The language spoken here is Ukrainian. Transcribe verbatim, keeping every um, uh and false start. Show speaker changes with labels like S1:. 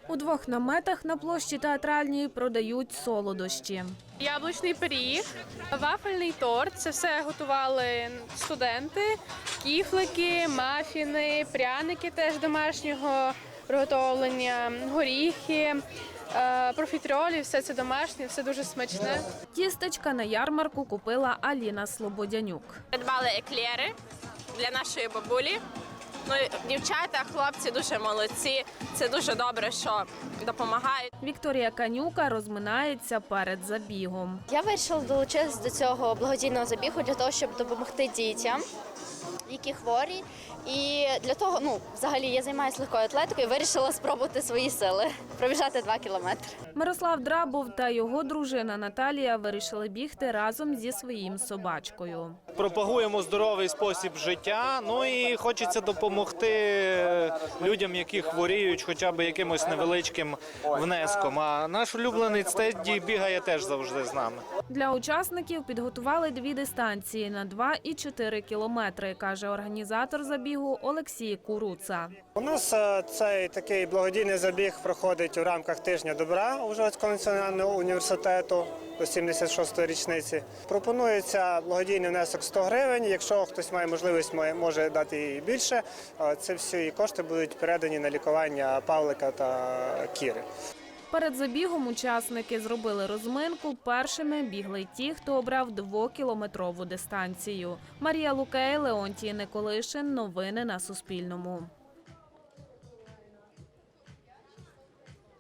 S1: У двох наметах на площі Театральній продають солодощі.
S2: Яблучний пиріг, вафельний торт – це все готували студенти, кіфлики, мафіни, пряники теж домашнього приготовлення, горіхи, профітролі – все це домашнє, все дуже смачне.
S1: Тістечка на ярмарку купила Аліна Слободянюк.
S3: Придбали еклери для нашої бабулі. Ну, дівчата, хлопці дуже молодці, це дуже добре, що допомагають.
S1: Вікторія Канюка розминається перед забігом.
S4: Я вирішила долучитися до цього благодійного забігу для того, щоб допомогти дітям, які хворі. І для того, ну, взагалі, я займаюся легкою атлетикою, вирішила спробувати свої сили, пробіжати два кілометри.
S1: Мирослав Драбов та його дружина Наталія вирішили бігти разом зі своїм собачкою.
S5: Пропагуємо здоровий спосіб життя, ну і хочеться допомогти людям, які хворіють, хоча б якимось невеличким внеском. А наш улюбленець Тедді бігає теж завжди з нами.
S1: Для учасників підготували дві дистанції на два і чотири кілометри, каже організатор забігу Олексій Куруца.
S6: У нас цей такий благодійний забіг проходить у рамках тижня добра Ужгородського національного університету до сімдесят шостої річниці. Пропонується благодійний внесок сто гривень. Якщо хтось має можливість, може дати і більше. Це всі кошти будуть передані на лікування Павлика та Кіри.
S1: Перед забігом учасники зробили розминку. Першими бігли ті, хто обрав двокілометрову дистанцію. Марія Лукей, Леонтій Николишин. Новини на Суспільному.